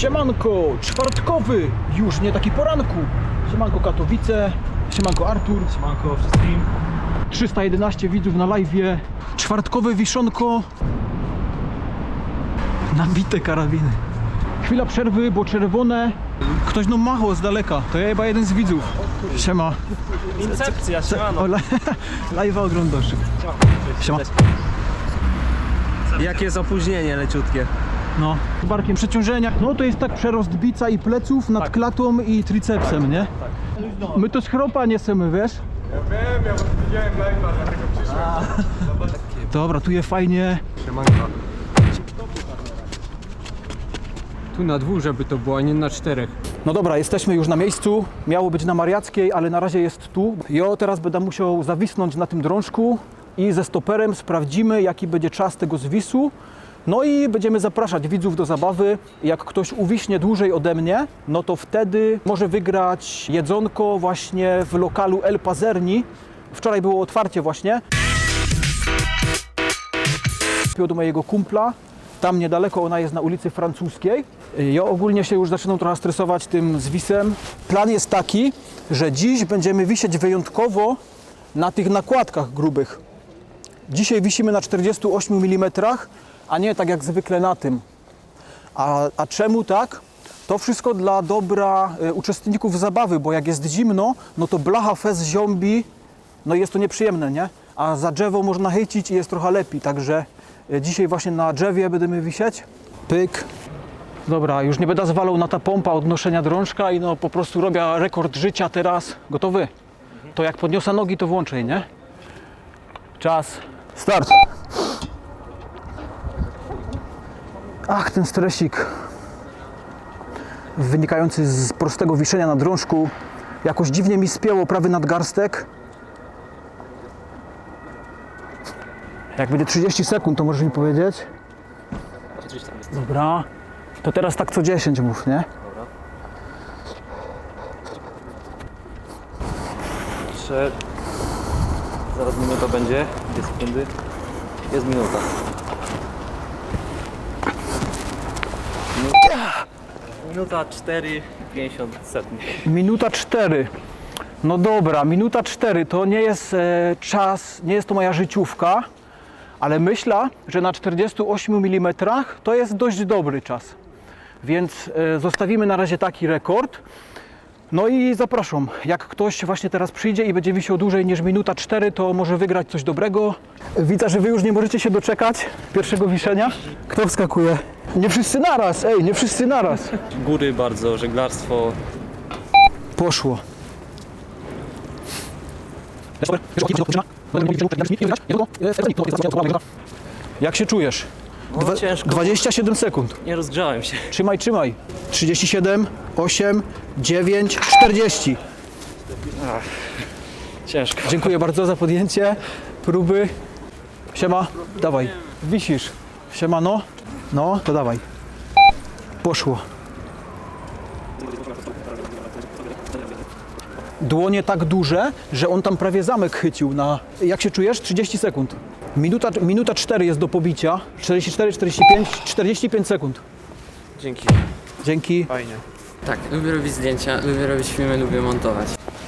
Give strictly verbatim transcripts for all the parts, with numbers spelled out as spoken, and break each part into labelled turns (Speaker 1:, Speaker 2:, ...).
Speaker 1: Siemanko, czwartkowy, już nie taki poranku. Siemanko Katowice, siemanko Artur.
Speaker 2: Siemanko wszystkim.
Speaker 1: trzysta jedenaście widzów na live'ie. Czwartkowe wiszonko. Nabite karabiny. Chwila przerwy, bo czerwone. Ktoś no machał z daleka. To ja chyba jeden z widzów. Siema.
Speaker 2: Incepcja, siemano.
Speaker 1: O, live'a oglądasz. Siema.
Speaker 2: Jakie jest opóźnienie leciutkie.
Speaker 1: No, z barkiem przeciążenia. No to jest tak przerost bica i pleców nad
Speaker 2: Tak.
Speaker 1: klatą i tricepsem, nie?
Speaker 2: Tak.
Speaker 1: My to z chropa niesiemy, wiesz?
Speaker 3: Ja wiem, ja widziałem live'a, dlatego przyszłem.
Speaker 1: Dobra, tu je fajnie.
Speaker 3: Tu na dwóch, żeby to było, a nie na czterech.
Speaker 1: No dobra, jesteśmy już na miejscu. Miało być na Mariackiej, ale na razie jest tu. Jo, teraz będę musiał zawisnąć na tym drążku i ze stoperem sprawdzimy, jaki będzie czas tego zwisu. No i będziemy zapraszać widzów do zabawy. Jak ktoś uwiśnie dłużej ode mnie, no to wtedy może wygrać jedzonko właśnie w lokalu El Pazerni. Wczoraj było otwarcie właśnie. Do mojego kumpla. Tam niedaleko, ona jest na ulicy Francuskiej. Ja ogólnie się już zaczynam trochę stresować tym zwisem. Plan jest taki, że dziś będziemy wisieć wyjątkowo na tych nakładkach grubych. Dzisiaj wisimy na czterdziestu ośmiu milimetrach, a nie tak jak zwykle na tym. A, a czemu tak? To wszystko dla dobra e, uczestników zabawy, bo jak jest zimno, no to blacha fez ziąbi, no jest to nieprzyjemne, nie? A za drzewo można chycić i jest trochę lepiej, także e, dzisiaj właśnie na drzewie będziemy wisieć. Pyk. Dobra, już nie będę zwalał na ta pompa odnoszenia drążka i no po prostu robię rekord życia teraz. Gotowy? To jak podniosę nogi, to włączę, nie? Czas. Start. Ach, ten stresik wynikający z prostego wiszenia na drążku jakoś dziwnie mi spięło prawy nadgarstek. Jak będzie trzydzieści sekund, to możesz mi powiedzieć? Dobra. To teraz tak co dziesięć mów, nie?
Speaker 2: Trzy. Zaraz minuta będzie. Dwie sekundy. Jest minuta. Minuta cztery pięćdziesiąt setnych.
Speaker 1: Minuta cztery. No dobra, minuta cztery to nie jest e, czas, nie jest to moja życiówka, ale myślę, że na czterdziestu ośmiu milimetrach to jest dość dobry czas. Więc e, zostawimy na razie taki rekord. No i zapraszam, jak ktoś właśnie teraz przyjdzie i będzie wisiał dłużej niż minuta cztery, to może wygrać coś dobrego. Widzę, że wy już nie możecie się doczekać pierwszego wiszenia. Kto wskakuje? Nie wszyscy naraz, ej, nie wszyscy naraz.
Speaker 2: Góry bardzo, żeglarstwo.
Speaker 1: Poszło. Jak się czujesz?
Speaker 2: No, ciężko.
Speaker 1: dwadzieścia siedem sekund.
Speaker 2: Nie rozgrzałem się.
Speaker 1: Trzymaj, trzymaj. trzydzieści siedem, osiem, dziewięć, czterdzieści.
Speaker 2: Ciężko.
Speaker 1: Dziękuję bardzo za podjęcie próby. Siema, dawaj. Wisisz. Siema, no. No, to dawaj. Poszło. Dłonie tak duże, że on tam prawie zamek chycił na... Jak się czujesz? trzydzieści sekund. Minuta, minuta cztery jest do pobicia. czterdzieści cztery, czterdzieści pięć, czterdzieści pięć sekund.
Speaker 2: Dzięki.
Speaker 1: Dzięki.
Speaker 2: Fajnie.
Speaker 4: Tak, lubię robić zdjęcia, lubię robić filmy, lubię montować.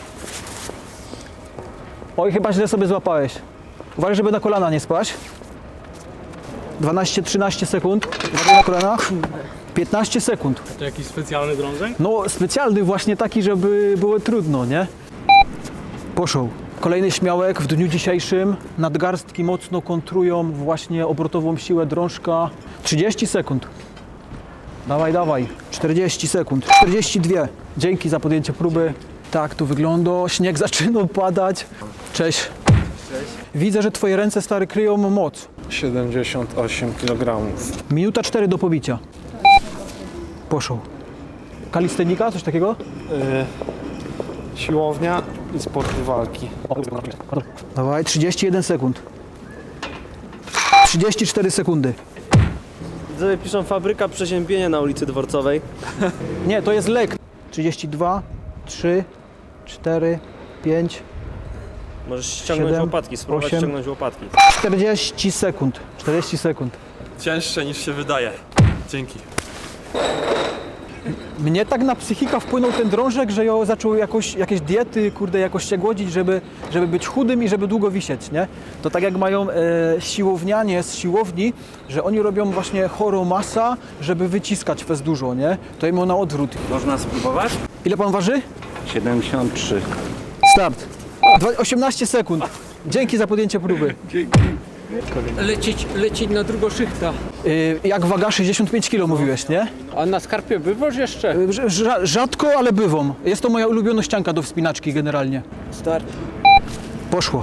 Speaker 1: Oj, chyba źle sobie złapałeś. Uważaj, żeby na kolana nie spaść. dwanaście trzynaście sekund. Uważaj na kolana. piętnaście sekund.
Speaker 3: To jakiś specjalny drążek?
Speaker 1: No, specjalny właśnie taki, żeby było trudno, nie? Poszło. Kolejny śmiałek w dniu dzisiejszym. Nadgarstki mocno kontrują właśnie obrotową siłę drążka. trzydzieści sekund. Dawaj, dawaj. czterdzieści sekund. czterdzieści dwa. Dzięki za podjęcie próby. Tak to wygląda. Śnieg zaczyna padać. Cześć.
Speaker 4: Cześć.
Speaker 1: Widzę, że twoje ręce, stary, kryją moc.
Speaker 3: siedemdziesiąt osiem kilogramów.
Speaker 1: Minuta cztery do pobicia. Poszło. Kalistenika? Coś takiego?
Speaker 3: Yy, siłownia i sporty walki.
Speaker 1: Dawaj, trzydzieści jeden sekund. trzydzieści cztery sekundy.
Speaker 2: Widzowie piszą fabryka przeziębienia na ulicy Dworcowej.
Speaker 1: Nie, to jest lek. trzydzieści dwa, trzy, cztery, pięć,
Speaker 2: Możesz ściągnąć
Speaker 1: siedem,
Speaker 2: łopatki, spróbować
Speaker 1: osiem.
Speaker 2: ściągnąć łopatki.
Speaker 1: czterdzieści sekund. czterdzieści sekund.
Speaker 5: Cięższe niż się wydaje. Dzięki.
Speaker 1: Mnie tak na psychika wpłynął ten drążek, że ja zaczął jakoś, jakieś diety, kurde, jakoś się głodzić, żeby, żeby być chudym i żeby długo wisieć, nie? To tak jak mają e, siłownianie z siłowni, że oni robią właśnie chorą masa, żeby wyciskać fez dużo, nie? To im na odwrót.
Speaker 2: Można spróbować?
Speaker 1: Ile pan waży?
Speaker 5: siedemdziesiąt trzy.
Speaker 1: Start. Dwa- osiemnaście sekund. Dzięki za podjęcie próby.
Speaker 6: Lecieć, lecieć na drugą szychta.
Speaker 1: Y, jak waga sześćdziesiąt pięć kilo mówiłeś, nie?
Speaker 6: A na skarpie bywasz jeszcze?
Speaker 1: Y, rz- rza- rzadko, ale bywam. Jest to moja ulubiona ścianka do wspinaczki generalnie.
Speaker 2: Start.
Speaker 1: Poszło.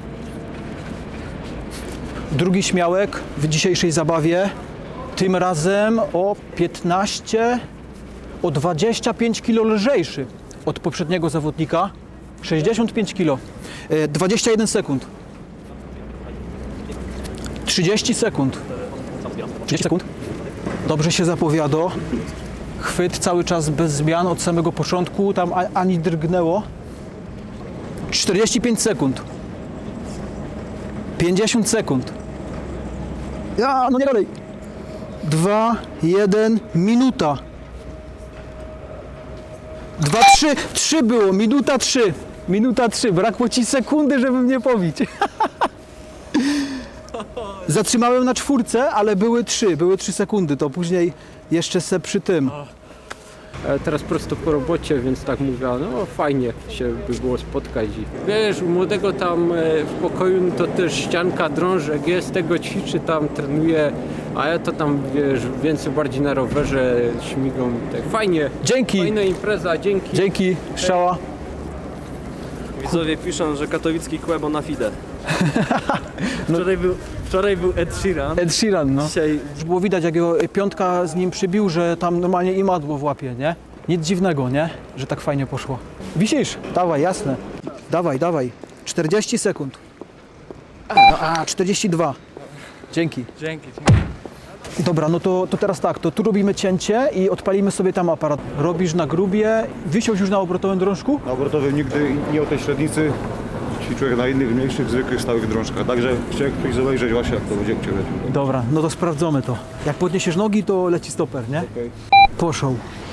Speaker 1: Drugi śmiałek w dzisiejszej zabawie. Tym razem o piętnaście, o dwadzieścia pięć kilo lżejszy od poprzedniego zawodnika. sześćdziesiąt pięć kilo. Y, dwadzieścia jeden sekund. trzydzieści sekund. trzydzieści sekund. Dobrze się zapowiada. Chwyt cały czas bez zmian od samego początku. Tam a- ani drgnęło. czterdzieści pięć sekund. pięćdziesiąt sekund. Ja, no nie dalej. dwa, jeden, minuta. dwa, trzy, trzy było, minuta trzy. Minuta trzy, brakło ci sekundy, żeby mnie pobić. Zatrzymałem na czwórce, ale były trzy, były trzy sekundy, to później jeszcze se przy tym.
Speaker 6: E, teraz prosto po robocie, więc tak mówię, no fajnie się by było spotkać. I, wiesz, u młodego tam e, w pokoju no to też ścianka, drążek jest, tego ćwiczy, tam trenuje, a ja to tam, wiesz, więcej bardziej na rowerze śmigą. Tak fajnie,
Speaker 1: Dzięki,
Speaker 6: fajna impreza, dzięki.
Speaker 1: dzięki, strzała.
Speaker 2: Widzowie piszą, że katowicki Kłebo na fide. Wczoraj był, wczoraj był Ed Sheeran.
Speaker 1: Ed Sheeran, no.
Speaker 2: Dzisiaj
Speaker 1: Już było widać, jak jego piątka z nim przybił, że tam normalnie imadło w łapie, nie? Nic dziwnego, nie? Że tak fajnie poszło. Wisisz? Dawaj, jasne. Dawaj, dawaj. czterdzieści sekund. No, a, czterdzieści dwa. Dzięki.
Speaker 3: Dzięki.
Speaker 1: Dobra, no to, to teraz tak, to tu robimy cięcie i odpalimy sobie tam aparat. Robisz na grubie, wisiałeś już na obrotowym drążku?
Speaker 5: Na obrotowym nigdy nie o tej średnicy. Ćwiczyłem na innych, mniejszych, zwykłych, stałych drążkach. Także chciałem ktoś zobaczyć właśnie, jak to będzie u Ciebie.
Speaker 1: Dobra, no to sprawdzamy to. Jak podniesiesz nogi, to leci stoper, nie?
Speaker 5: Okej.
Speaker 1: Poszł.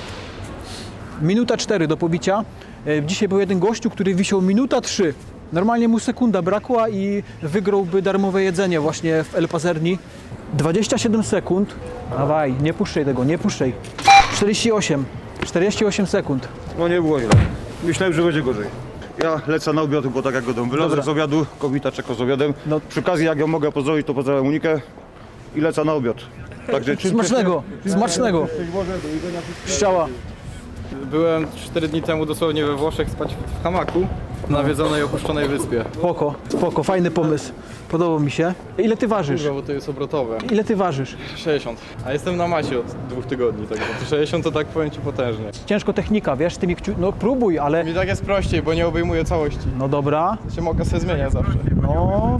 Speaker 1: Minuta cztery do pobicia. E, Dzisiaj był jeden gościu, który wisiał minuta trzy. Normalnie mu sekunda brakła i wygrałby darmowe jedzenie właśnie w El Pazerni. dwadzieścia siedem sekund. Dawaj, nie puszczaj tego, nie puszczaj. czterdzieści osiem. czterdzieści osiem sekund.
Speaker 5: No nie było źle. Myślałem, że będzie gorzej. Ja lecę na obiad, bo tak jak godą. Wylazłem
Speaker 1: Dobra.
Speaker 5: z obiadu, kobieta czeka z obiadem.
Speaker 1: No.
Speaker 5: Przy okazji, jak ją mogę pozdrowić, to pozdrawiam Unikę i lecę na obiad. Także czym
Speaker 1: Smacznego, smacznego. Strzała.
Speaker 3: Byłem cztery dni temu dosłownie we Włoszech spać w hamaku na nawiedzonej, opuszczonej wyspie.
Speaker 1: Spoko, spoko, fajny pomysł. Podobał mi się. Ile ty ważysz?
Speaker 3: Kurwa, bo to jest obrotowe.
Speaker 1: Ile ty ważysz?
Speaker 3: sześćdziesiąt. A jestem na masie od dwóch tygodni, także to sześćdziesiąt to tak powiem Ci potężnie.
Speaker 1: Ciężko technika, wiesz, tymi kciu... No próbuj, ale...
Speaker 3: Mi tak jest prościej, bo nie obejmuję całości.
Speaker 1: No dobra,
Speaker 3: Się mogę sobie zmieniać zawsze.
Speaker 1: no...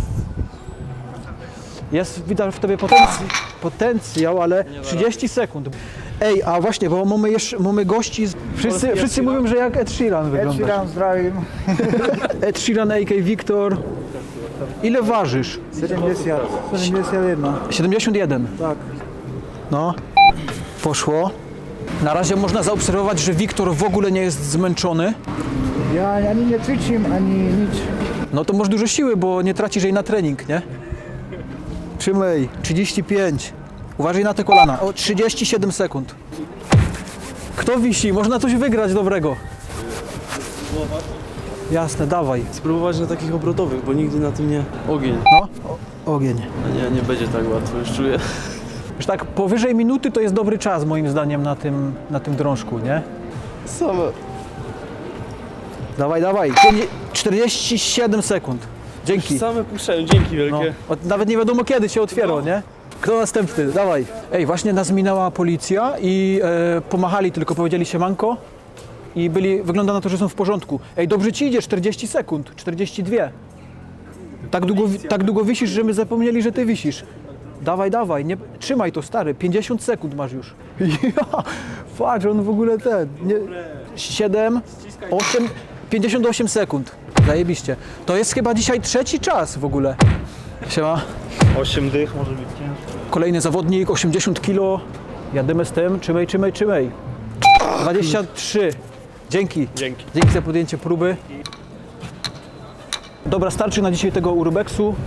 Speaker 1: Jest widać w tobie potencjał, potencjał, ale trzydzieści sekund. Ej, a właśnie, bo mamy jeszcze mamy gości, z... wszyscy, wszyscy mówią, że jak Ed Sheeran wyglądasz. Ed Sheeran, zdrowim. Ed Sheeran, a k Wiktor. Ile ważysz?
Speaker 7: siedemdziesiąt, siedemdziesiąt jeden.
Speaker 1: siedemdziesiąt jeden.
Speaker 7: Tak.
Speaker 1: No, poszło. Na razie można zaobserwować, że Wiktor w ogóle nie jest zmęczony.
Speaker 7: Ja ani nie ćwiczę, ani nic.
Speaker 1: No to masz dużo siły, bo nie tracisz jej na trening, nie? Trzymaj, trzydzieści pięć. Uważaj na te kolana. O, trzydzieści siedem sekund. Kto wisi? Można coś wygrać dobrego. Jasne, dawaj.
Speaker 2: spróbować na takich obrotowych, bo nigdy na tym nie... Ogień.
Speaker 1: No, o, ogień.
Speaker 2: A nie, nie będzie tak łatwo, już czuję.
Speaker 1: Już tak powyżej minuty to jest dobry czas moim zdaniem na tym, na tym drążku, nie?
Speaker 2: Same.
Speaker 1: Dawaj, dawaj. czterdzieści siedem sekund. Dzięki.
Speaker 2: Same puszczają, dzięki
Speaker 1: No,
Speaker 2: wielkie.
Speaker 1: od- nawet nie wiadomo kiedy się otwiera, nie? Kto następny? Dawaj. Ej, właśnie nas minęła policja i e, pomachali, tylko powiedzieli siemanko i byli, wygląda na to, że są w porządku. Ej, dobrze ci idzie, czterdzieści sekund, czterdzieści dwa. Tak długo, wi- tak długo wisisz, że my zapomnieli, że ty wisisz. Dawaj, dawaj, nie, trzymaj to stary, pięćdziesiąt sekund masz już. Ja, patrz, on w ogóle ten, nie, siedem, osiem, pięćdziesiąt osiem sekund. Zajebiście. To jest chyba dzisiaj trzeci czas w ogóle. Siema.
Speaker 5: osiem dych może być ciężko.
Speaker 1: Kolejny zawodnik, osiemdziesiąt kilo. Jadymy z tym, trzymaj, trzymaj, trzymaj. dwadzieścia trzy. Dzięki.
Speaker 2: Dzięki.
Speaker 1: Dzięki za podjęcie próby. Dobra, starczy na dzisiaj tego urbexu.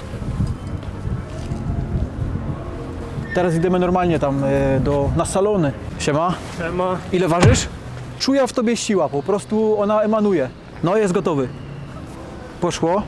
Speaker 1: Teraz idziemy normalnie tam e, do, na salony. Siema.
Speaker 2: Siema.
Speaker 1: Ile ważysz? Czuję w tobie siła, po prostu ona emanuje. No, jest gotowy. Poszło.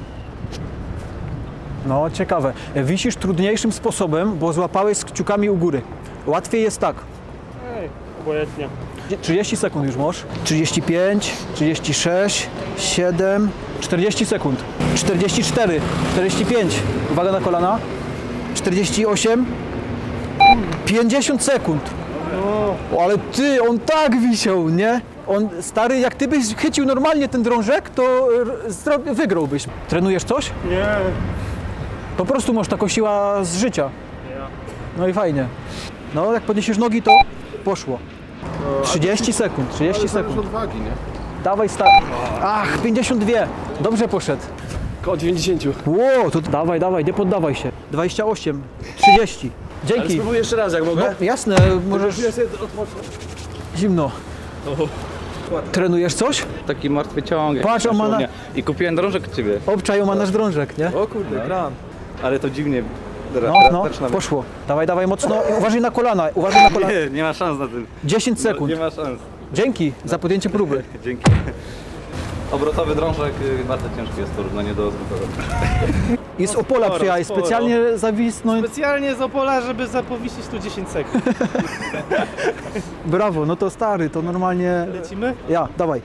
Speaker 1: No, ciekawe. Wisisz trudniejszym sposobem, bo złapałeś z kciukami u góry. Łatwiej jest tak.
Speaker 2: Obojętnie.
Speaker 1: trzydzieści sekund już możesz. trzydzieści pięć, trzydzieści sześć, siedem, czterdzieści sekund. czterdzieści cztery, czterdzieści pięć. Uwaga na kolana. czterdzieści osiem, pięćdziesiąt sekund. O, ale ty, on tak wisiał, nie? On, stary, jak ty byś chycił normalnie ten drążek, to r- zro- wygrałbyś. Trenujesz coś?
Speaker 2: Nie.
Speaker 1: Po prostu masz taką siła z życia. No i fajnie. No, jak podniesiesz nogi, to poszło. trzydzieści sekund, trzydzieści sekund.
Speaker 3: odwagi, nie?
Speaker 1: Dawaj, stary. Ach, pięćdziesiąt dwa. Dobrze poszedł.
Speaker 2: Koło dziewięćdziesiąt.
Speaker 1: Ło, to dawaj, dawaj, nie poddawaj się. dwadzieścia osiem, trzydzieści. Dzięki.
Speaker 2: Spróbuję jeszcze raz, jak
Speaker 1: No,
Speaker 2: mogę.
Speaker 1: jasne, możesz... Zimno. Trenujesz coś?
Speaker 3: Taki martwy ciąg.
Speaker 1: Patrz, on ma na-
Speaker 3: I kupiłem drążek od ciebie.
Speaker 1: Obczaj, ma nasz drążek, nie?
Speaker 2: O kurde, kran.
Speaker 3: Ale to dziwnie. Dobra,
Speaker 1: No, no,
Speaker 3: zaczynamy.
Speaker 1: poszło. Dawaj, dawaj mocno. Uważaj na kolana, uważaj na kolana.
Speaker 3: Nie, nie ma szans na tym.
Speaker 1: dziesięć sekund.
Speaker 3: Nie ma szans.
Speaker 1: Dzięki za podjęcie próby.
Speaker 3: Dzięki. Obrotowy drążek y, bardzo ciężki jest w porównaniu do zwykłego.
Speaker 1: I z Opola przyjechałeś
Speaker 2: sporo.
Speaker 1: specjalnie zawisnąć.
Speaker 8: Specjalnie z Opola, żeby zapowiesić tu dziesięć sekund.
Speaker 1: Brawo, no to stary, to normalnie...
Speaker 8: Lecimy?
Speaker 1: Ja, dawaj.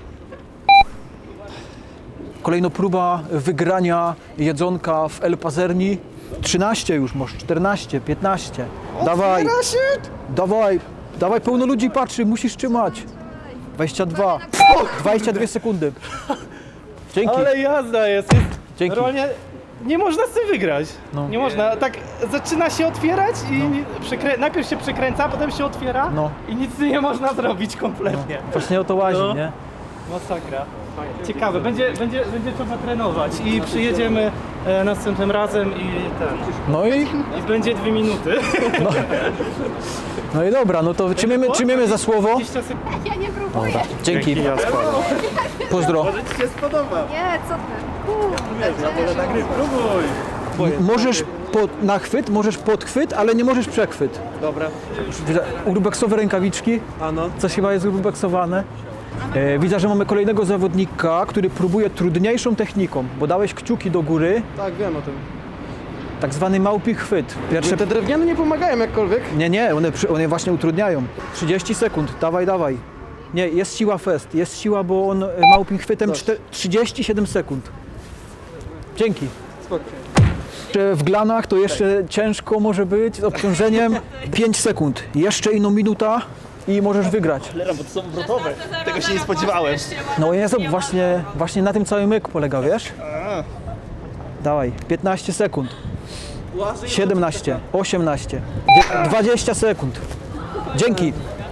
Speaker 1: Kolejna próba wygrania jedzonka w El Pazerni. trzynaście już, może czternaście, piętnaście. Dawaj. Dawaj, dawaj, pełno ludzi patrzy, musisz trzymać. dwadzieścia dwa, dwadzieścia dwie sekundy. Dzięki,
Speaker 8: Ale jazda jest, jest
Speaker 1: dzięki.
Speaker 8: normalnie nie można z tym wygrać.
Speaker 1: No.
Speaker 8: Nie można, tak zaczyna się otwierać i przykrę... najpierw się przykręca, potem się otwiera
Speaker 1: No.
Speaker 8: i nic nie można zrobić kompletnie.
Speaker 1: Właśnie o to łazi,
Speaker 8: No.
Speaker 1: nie?
Speaker 8: Masakra. Ciekawe, będzie, będzie, będzie trzeba trenować i przyjedziemy e, następnym razem i ten.
Speaker 1: No i,
Speaker 8: I będzie dwie minuty.
Speaker 1: no i dobra, no to trzymiemy, trzymiemy za słowo.
Speaker 8: dwadzieścia sekund.
Speaker 9: Ja nie próbuję.
Speaker 1: Dzięki. Pozdro.
Speaker 9: Nie, co ty? Kurde.
Speaker 1: Możesz pod, na chwyt, możesz podchwyt, ale nie możesz przechwyt.
Speaker 2: Dobra.
Speaker 1: Urbexowe rękawiczki.
Speaker 2: A no.
Speaker 1: Coś chyba jest urbexowane. E, widzę, że mamy kolejnego zawodnika, który próbuje trudniejszą techniką, bo dałeś kciuki do góry,
Speaker 2: Tak, wiem o tym.
Speaker 1: tak zwany małpi chwyt. Pierwsze...
Speaker 2: Te drewniane nie pomagają jakkolwiek.
Speaker 1: Nie, nie, one, przy- one właśnie utrudniają. trzydzieści sekund, dawaj, dawaj. Nie, jest siła fest, jest siła, bo on e, małpim chwytem czte- trzydzieści siedem sekund. Dzięki. Jeszcze w glanach to jeszcze ciężko może być, z obciążeniem pięć sekund. Jeszcze inną minuta i możesz wygrać.
Speaker 8: Tego się nie spodziewałem.
Speaker 1: No jest właśnie, właśnie na tym cały myk polega, wiesz? Dawaj, piętnaście sekund. siedemnaście, osiemnaście, dzie- dwadzieścia sekund. Dzięki.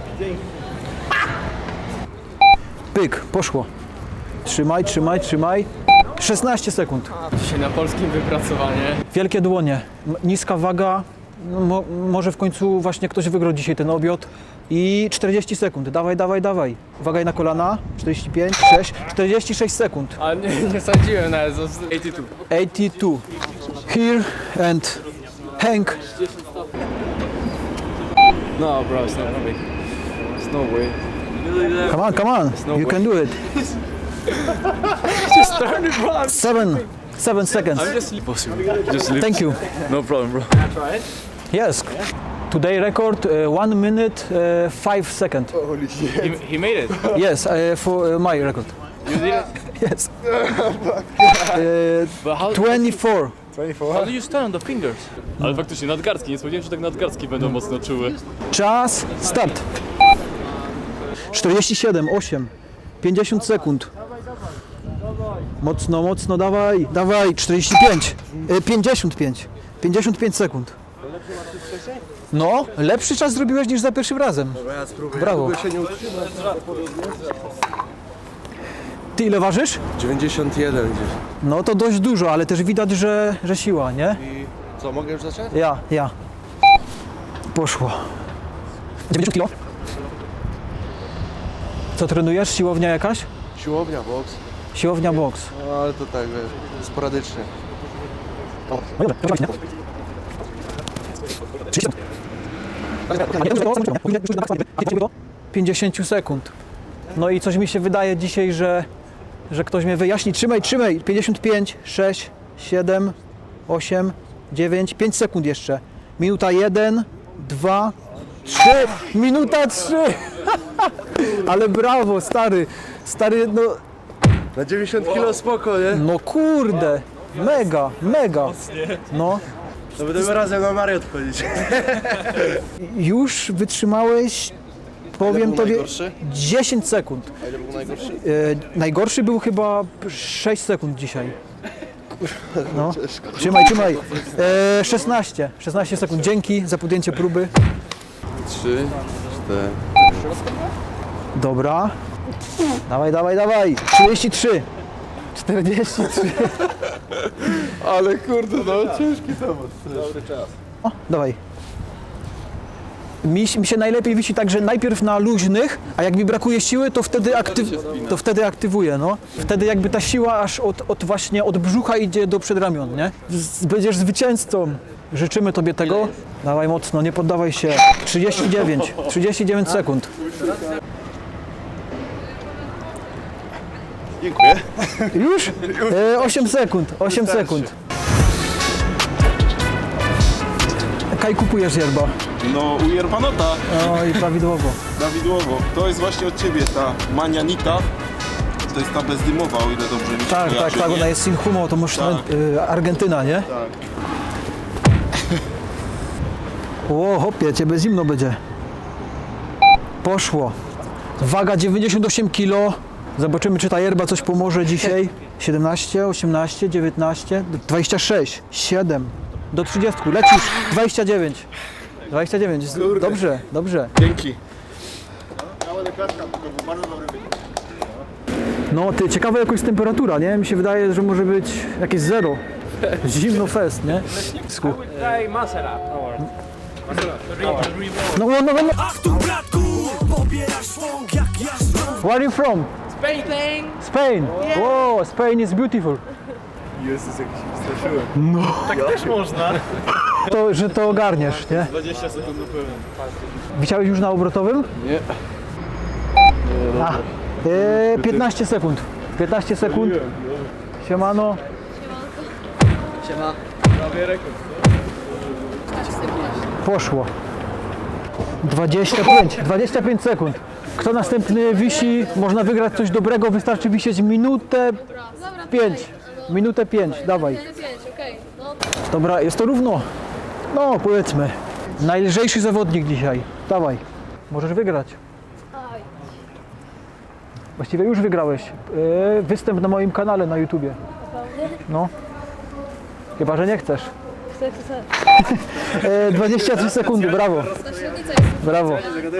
Speaker 1: Pyk, poszło. Trzymaj, trzymaj, trzymaj. szesnaście sekund.
Speaker 4: Dzisiaj na polskim wypracowanie.
Speaker 1: Wielkie dłonie, m- niska waga. No, mo, może w końcu właśnie ktoś wygrał dzisiaj ten obiad. I czterdzieści sekund. Dawaj, dawaj, dawaj. Uwaga na kolana. czterdzieści pięć, sześć, czterdzieści sześć sekund.
Speaker 4: A nie, nie sądziłem nawet, osiemdziesiąt dwa.
Speaker 1: osiemdziesiąt dwa. Here and hang.
Speaker 4: No bro, it's not way. There's no way.
Speaker 1: Come on, come on.
Speaker 4: no
Speaker 1: You
Speaker 4: way.
Speaker 1: can do it.
Speaker 4: Just started bro.
Speaker 1: Seven, seven seconds.
Speaker 4: I'm just impossible. Just live.
Speaker 1: Thank you.
Speaker 4: No problem bro.
Speaker 1: Yes. Today record uh, one minute uh, five second.
Speaker 4: He, he made it.
Speaker 1: Yes, uh, for uh, my record.
Speaker 4: You did it?
Speaker 1: Yes. Uh,
Speaker 4: But how,
Speaker 1: twenty-four.
Speaker 4: how do you stand on the fingers? Ale faktycznie nadgarstki, nie spodziewałem się, że tak nadgarstki będą mocno czułe.
Speaker 1: Czas, start. czterdzieści siedem, osiem, pięćdziesiąt sekund. Mocno, mocno, dawaj, dawaj, czterdzieści pięć, e, pięćdziesiąt pięć, pięćdziesiąt pięć sekund. No, lepszy czas zrobiłeś niż za pierwszym razem. Brawo. Ty ile ważysz?
Speaker 10: dziewięćdziesiąt jeden gdzieś.
Speaker 1: No to dość dużo, ale też widać, że, że siła, nie?
Speaker 10: I co, mogę już zacząć?
Speaker 1: Ja, ja. Poszło. dziewięćdziesiąt kilo. Co trenujesz? Siłownia jakaś?
Speaker 10: Siłownia, boks.
Speaker 1: Siłownia boks.
Speaker 10: No ale to tak, wiesz, sporadycznie.
Speaker 1: pięćdziesiąt sekund. No i coś mi się wydaje dzisiaj, że, że ktoś mnie wyjaśni. Trzymaj, trzymaj. pięćdziesiąt pięć, sześć, siedem, osiem, dziewięć, pięć sekund jeszcze. Minuta jeden, dwa, trzy. Minuta trzy. Ale brawo, stary. Stary, no,
Speaker 10: Na dziewięćdziesiąt kilo spoko, nie?
Speaker 1: no kurde. Mega, mega. No.
Speaker 10: To będziemy razem na Mariot chodzić.
Speaker 1: Już wytrzymałeś, powiem
Speaker 10: był
Speaker 1: tobie,
Speaker 10: najgorszy?
Speaker 1: dziesięć sekund.
Speaker 10: A ile był najgorszy?
Speaker 1: E, najgorszy był chyba sześć sekund dzisiaj. No. Trzymaj, trzymaj. E, szesnaście. szesnaście sekund. Dzięki za podjęcie próby.
Speaker 10: Trzy, cztery.
Speaker 1: Dobra. Dawaj, dawaj, dawaj. trzydzieści trzy. czterdzieści trzy.
Speaker 10: Ale kurde, no ciężki temat. Dobry czas.
Speaker 1: O, dawaj. Mi, mi się najlepiej wisi tak, że najpierw na luźnych, a jak mi brakuje siły, to wtedy, aktyw, to wtedy aktywuję, no. Wtedy jakby ta siła aż od, od właśnie od brzucha idzie do przedramion, nie? Z, będziesz zwycięzcą. Życzymy tobie tego. Dawaj mocno, nie poddawaj się. trzydzieści dziewięć. trzydzieści dziewięć sekund.
Speaker 5: Dziękuję.
Speaker 1: Już? E, osiem sekund. osiem sekund. Kaj kupujesz yerba?
Speaker 11: No u Yerbanota,
Speaker 1: No i prawidłowo.
Speaker 11: prawidłowo. To jest właśnie od ciebie ta manianita. To jest ta bezdymowa, o ile dobrze mi się
Speaker 1: Tak, tak,
Speaker 11: kojarzy,
Speaker 1: tak,
Speaker 11: nie?
Speaker 1: ona jest Sinhumo, to może
Speaker 11: Tak.
Speaker 1: y, Argentyna, nie?
Speaker 11: Tak.
Speaker 1: O, hopie, ciebie zimno będzie. Poszło. Waga dziewięćdziesiąt osiem kilo. Zobaczymy, czy ta yerba coś pomoże dzisiaj. siedemnaście, osiemnaście, dziewiętnaście, dwadzieścia sześć, siedem, do trzydziestu. Lecisz. dwadzieścia dziewięć. dwadzieścia dziewięć. Dobrze, dobrze.
Speaker 11: Dzięki.
Speaker 1: No ty, ciekawa jakoś temperatura, nie? Mi się wydaje, że może być jakieś zero. Zimno fest, nie? Sku.
Speaker 6: Daj masera.
Speaker 1: No, no, no, no. Where are you from?
Speaker 6: Spain!
Speaker 1: Spain. Wow, Spain is beautiful.
Speaker 4: Jezus, jak się straszyłem.
Speaker 8: Tak też można.
Speaker 1: To, że to ogarniesz, nie?
Speaker 4: dwadzieścia sekund do pełen.
Speaker 1: Wisiałeś już na obrotowym?
Speaker 4: Nie.
Speaker 1: A, e, piętnaście sekund. piętnaście sekund. Siemano.
Speaker 4: Prawie rekord.
Speaker 1: Poszło. dwadzieścia pięć. dwadzieścia pięć sekund. Kto następny wisi, można wygrać coś dobrego, wystarczy wisieć minutę pięć. Minutę pięć, dawaj. Dobra, jest to równo. No, powiedzmy. Najlżejszy zawodnik dzisiaj. Dawaj. Możesz wygrać. Właściwie już wygrałeś. Yy, występ na moim kanale na YouTubie. No. Chyba, że nie chcesz.
Speaker 9: Chcę, chcę.
Speaker 1: Yy, dwadzieścia trzy sekundy, brawo.
Speaker 9: Ta średnica jest.
Speaker 1: Brawo.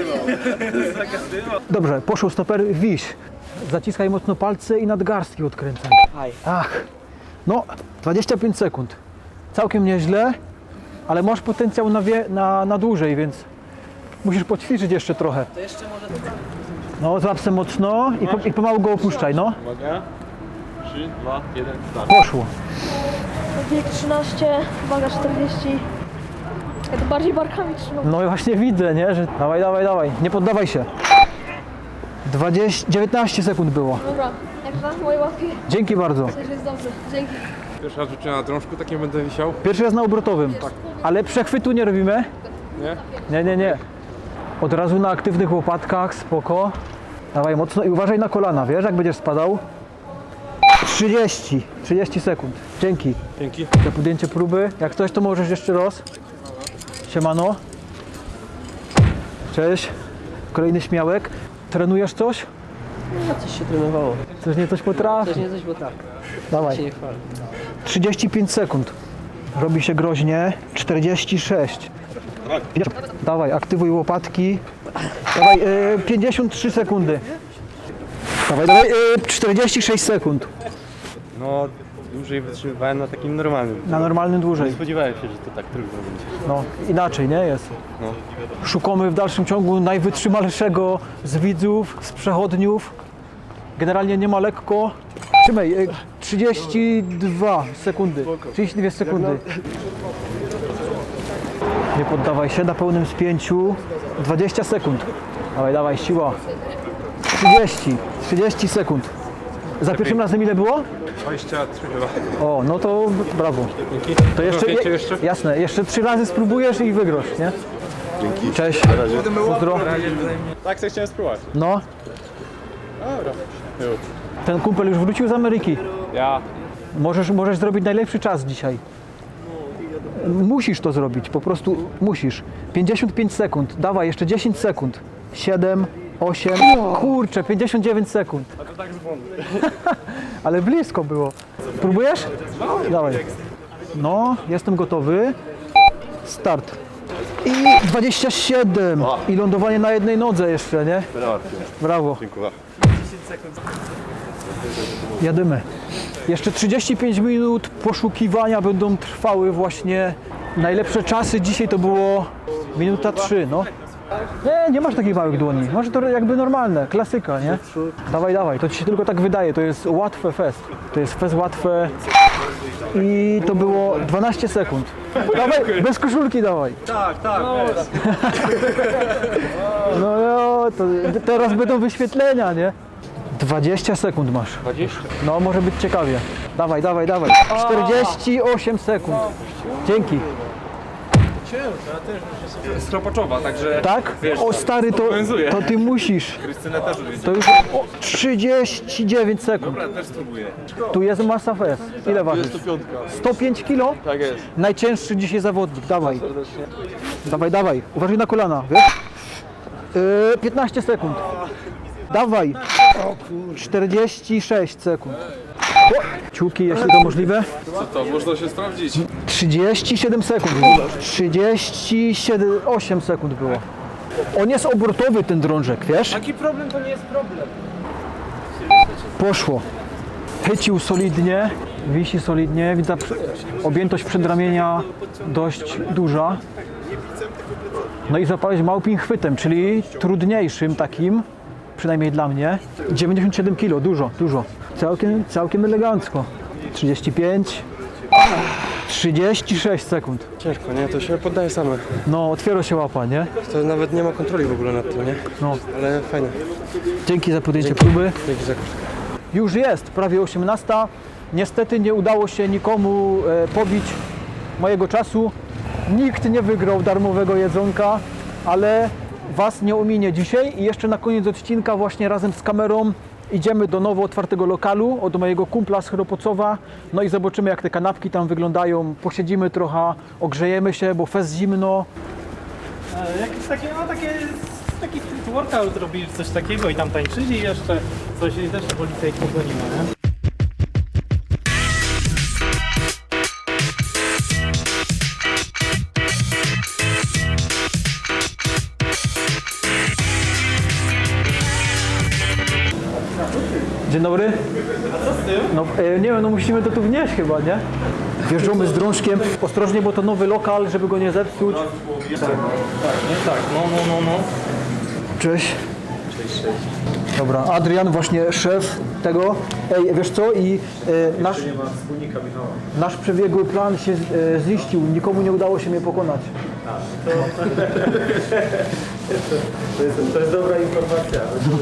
Speaker 1: Dobrze, poszło stoper, wiś. Zaciskaj mocno palce i nadgarstki odkręcaj. Ach. No, dwadzieścia pięć sekund. Całkiem nieźle, ale masz potencjał na, wie, na, na dłużej, więc musisz poćwiczyć jeszcze trochę. No, złap se mocno i, po, i pomału go opuszczaj, no.
Speaker 4: Uwaga. trzy, dwa, jeden, start.
Speaker 1: Poszło.
Speaker 9: Wiek trzynaście, waga czterdzieści. Ja to bardziej barkami trzymam.
Speaker 1: No i właśnie widzę, nie, że dawaj, dawaj, dawaj, nie poddawaj się. dwadzieścia, dziewiętnaście sekund było.
Speaker 9: Dobra, jak na moje łapie,
Speaker 1: Dzięki bardzo.
Speaker 9: też jest dobrze. Dzięki.
Speaker 3: Pierwszy raz rzuciłem na drążku, tak nie będę wisiał.
Speaker 1: Pierwszy raz na obrotowym, ale przechwytu nie robimy.
Speaker 3: Nie?
Speaker 1: Nie, nie, nie. Od razu na aktywnych łopatkach, spoko. Dawaj mocno i uważaj na kolana, wiesz, jak będziesz spadał. trzydzieści, trzydzieści sekund. Dzięki.
Speaker 3: Dzięki.
Speaker 1: Za podjęcie próby. Jak coś, to możesz jeszcze raz. Siemano. Cześć. Kolejny śmiałek. Trenujesz coś?
Speaker 6: No coś się trenowało.
Speaker 1: Coś nie coś potrafi.
Speaker 6: Coś nie coś, bo tak.
Speaker 1: Dawaj.
Speaker 6: Się nie chwali.
Speaker 1: trzydzieści pięć sekund. Robi się groźnie. czterdzieści sześć. Dawaj, aktywuj łopatki. Dawaj, y, pięćdziesiąt trzy sekundy. Dawaj, dawaj, y, czterdzieści sześć sekund.
Speaker 3: No, już dłużej wytrzymywałem na takim normalnym.
Speaker 1: Na normalnym dłużej.
Speaker 3: Spodziewałem się, że to tak trudno będzie.
Speaker 1: No, inaczej, nie jest.
Speaker 3: No.
Speaker 1: Szukamy w dalszym ciągu najwytrzymalszego z widzów, z przechodniów. Generalnie nie ma lekko. Trzymaj, e, trzydzieści dwa sekundy. trzydzieści dwie sekundy. Nie poddawaj się na pełnym spięciu. dwadzieścia sekund. Dawaj, dawaj, siła. trzydzieści. trzydzieści sekund. Za pierwszym razem ile było?
Speaker 3: dwadzieścia trzy chyba.
Speaker 1: O, no to brawo. To jeszcze,
Speaker 3: Wiecie jeszcze?
Speaker 1: Jasne, jeszcze trzy razy spróbujesz i wygrasz, nie?
Speaker 5: Dzięki.
Speaker 1: Cześć. Pozdro.
Speaker 3: Tak sobie chciałem spróbować.
Speaker 1: No,
Speaker 3: Dobra.
Speaker 1: ten kumpel już wrócił z Ameryki.
Speaker 3: Ja.
Speaker 1: Możesz, możesz zrobić najlepszy czas dzisiaj. Musisz to zrobić, po prostu musisz. pięćdziesiąt pięć sekund, dawaj, jeszcze dziesięć sekund. siedem, osiem, kurczę, pięćdziesiąt dziewięć sekund.
Speaker 3: A to tak z błądu.
Speaker 1: Ale blisko było. Próbujesz? Dawaj. No, jestem gotowy. Start. I dwadzieścia siedem. I lądowanie na jednej nodze jeszcze, nie? Brawo.
Speaker 5: Dziękuję.
Speaker 1: Jadymy. Jeszcze trzydzieści pięć minut poszukiwania będą trwały właśnie. Najlepsze czasy dzisiaj to było minuta trzy, no. Nie, nie masz takich małych dłoni. Masz to jakby normalne, klasyka, nie? Dawaj, dawaj, to ci się tylko tak wydaje, to jest łatwe fest. To jest fest łatwe i to było dwanaście sekund. Dawaj, bez koszulki dawaj.
Speaker 3: Tak, tak.
Speaker 1: No, no to teraz będą wyświetlenia, nie? dwadzieścia sekund masz.
Speaker 3: dwadzieścia?
Speaker 1: No, może być ciekawie. Dawaj, dawaj, dawaj. czterdzieści osiem sekund. Dzięki.
Speaker 3: Stropaczowa, także...
Speaker 1: Tak? O stary, to,
Speaker 3: obowiązuje.
Speaker 1: to ty musisz.
Speaker 3: Krystynę też lubię.
Speaker 1: To już o, trzydzieści dziewięć sekund.
Speaker 3: Dobra, też spróbuję.
Speaker 1: Tu jest masa fest. Ile ważysz? sto pięć kilo?
Speaker 3: Tak jest.
Speaker 1: Najcięższy dzisiaj zawodnik. Dawaj. Dawaj, dawaj. Uważaj na kolana, wiesz? Yy, piętnaście sekund. Dawaj. czterdzieści sześć sekund. O, ciuki, jeśli to możliwe.
Speaker 4: Co to? Można się sprawdzić.
Speaker 1: trzydzieści siedem sekund. trzydzieści osiem sekund było. On jest obrotowy, ten drążek, wiesz?
Speaker 8: Taki problem to nie jest problem.
Speaker 1: Poszło. Chycił solidnie, wisi solidnie. Widzę objętość przedramienia dość duża. No i zapałeś małpim chwytem, czyli trudniejszym takim, przynajmniej dla mnie. dziewięćdziesiąt siedem kilo, dużo, dużo. Całkiem, całkiem elegancko. trzydzieści pięć, trzydzieści sześć sekund.
Speaker 3: Ciężko, nie? To się poddaje same.
Speaker 1: No, otwiera się łapa, nie?
Speaker 3: To nawet nie ma kontroli w ogóle nad tym, nie?
Speaker 1: No.
Speaker 3: Ale fajne.
Speaker 1: Dzięki za podjęcie próby.
Speaker 3: Dzięki za
Speaker 1: Już jest, prawie osiemnasta. Niestety nie udało się nikomu e, pobić mojego czasu. Nikt nie wygrał darmowego jedzonka, ale Was nie ominie dzisiaj. I jeszcze na koniec odcinka właśnie razem z kamerą idziemy do nowo otwartego lokalu od mojego kumpla z Chropocowa. No i zobaczymy, jak te kanapki tam wyglądają. Posiedzimy trochę, ogrzejemy się, bo fest zimno.
Speaker 8: E, Jakieś takie, no takie, taki street workout robili coś takiego i tam tańczyli jeszcze coś i też policja ich pogoniła, nie?
Speaker 1: Dzień dobry. A co z tym? No e, nie wiem, no musimy to tu wnieść chyba, nie? Wjeżdżamy z drążkiem. Ostrożnie, bo to nowy lokal, żeby go nie zepsuć.
Speaker 8: Tak, nie tak, no, no, no, no.
Speaker 1: Cześć. Cześć, cześć. Dobra, Adrian, właśnie szef tego. Ej, wiesz co? I e, nasz, nasz przebiegły plan się e, ziścił. Nikomu nie udało się mnie pokonać.
Speaker 8: To, jest, to jest dobra informacja.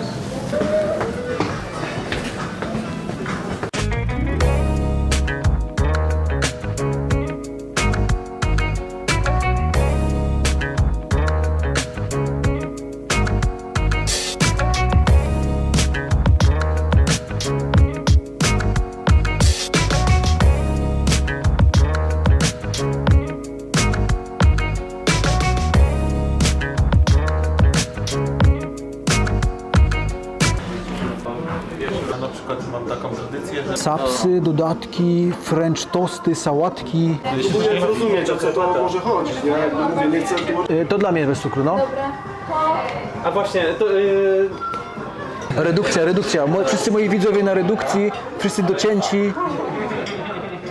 Speaker 1: Sapsy, dodatki, french tosty, sałatki.
Speaker 11: Próbuję zrozumieć, o co to może chodzić, nie? Jakby mówię, nie chcę...
Speaker 1: E, to dla mnie bez cukru, no.
Speaker 8: A właśnie, to... Yy...
Speaker 1: Redukcja, redukcja. Mo- Wszyscy moi widzowie na redukcji, wszyscy docięci.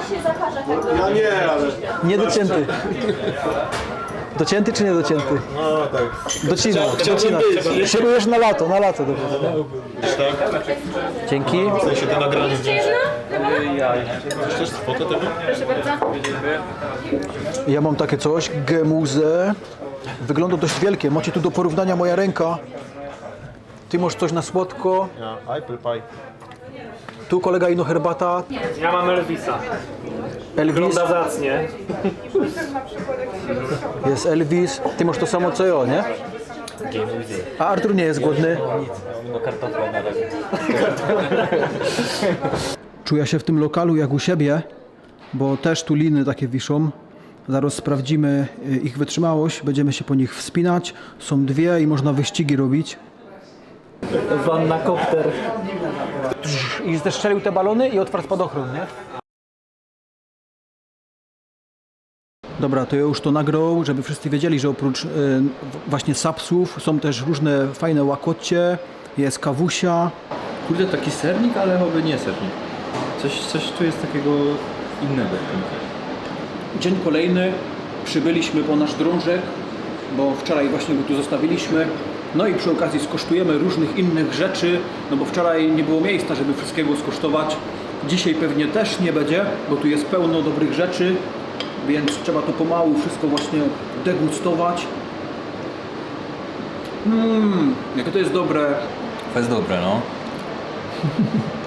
Speaker 9: się zakaże tego.
Speaker 5: Ja nie, ale...
Speaker 1: Niedocięty. Docięty czy niedocięty?
Speaker 5: No tak.
Speaker 1: Docina, docina. Szykujesz na lato, na lato. Dobrze. Dzięki.
Speaker 5: W sensie to nagranie.
Speaker 9: Jeszcze jedna?
Speaker 5: Chcesz fotę tego?
Speaker 9: Proszę bardzo.
Speaker 1: Ja mam takie coś, gemuzę. Wygląda dość wielkie. Macie tu do porównania moja ręka. Ty masz coś na słodko.
Speaker 5: Ja, apple pie.
Speaker 1: Tu kolega ino herbata.
Speaker 8: Ja mam Elvisa.
Speaker 1: Elvis.
Speaker 8: zacnie.
Speaker 1: Jest Elvis. Ty masz to samo co ja, nie? A Artur nie jest głodny.
Speaker 2: No kartofla na razie.
Speaker 1: Czuję się w tym lokalu jak u siebie, bo też tu liny takie wiszą. Zaraz sprawdzimy ich wytrzymałość, będziemy się po nich wspinać. Są dwie i można wyścigi robić.
Speaker 8: Wanna kopter.
Speaker 1: I zestrzelił te balony i otwarł spadochron, nie? Dobra, to ja już to nagrał, żeby wszyscy wiedzieli, że oprócz y, właśnie sapsów są też różne fajne łakocie, jest kawusia.
Speaker 3: Kurde, taki sernik, ale chyba nie sernik. Coś, coś tu jest takiego innego w tym.
Speaker 1: Dzień kolejny, przybyliśmy po nasz drążek, bo wczoraj właśnie go tu zostawiliśmy. No i przy okazji skosztujemy różnych innych rzeczy, no bo wczoraj nie było miejsca, żeby wszystkiego skosztować. Dzisiaj pewnie też nie będzie, bo tu jest pełno dobrych rzeczy, więc trzeba to pomału wszystko właśnie degustować. Mmm, jakie to jest dobre.
Speaker 10: To jest dobre, no.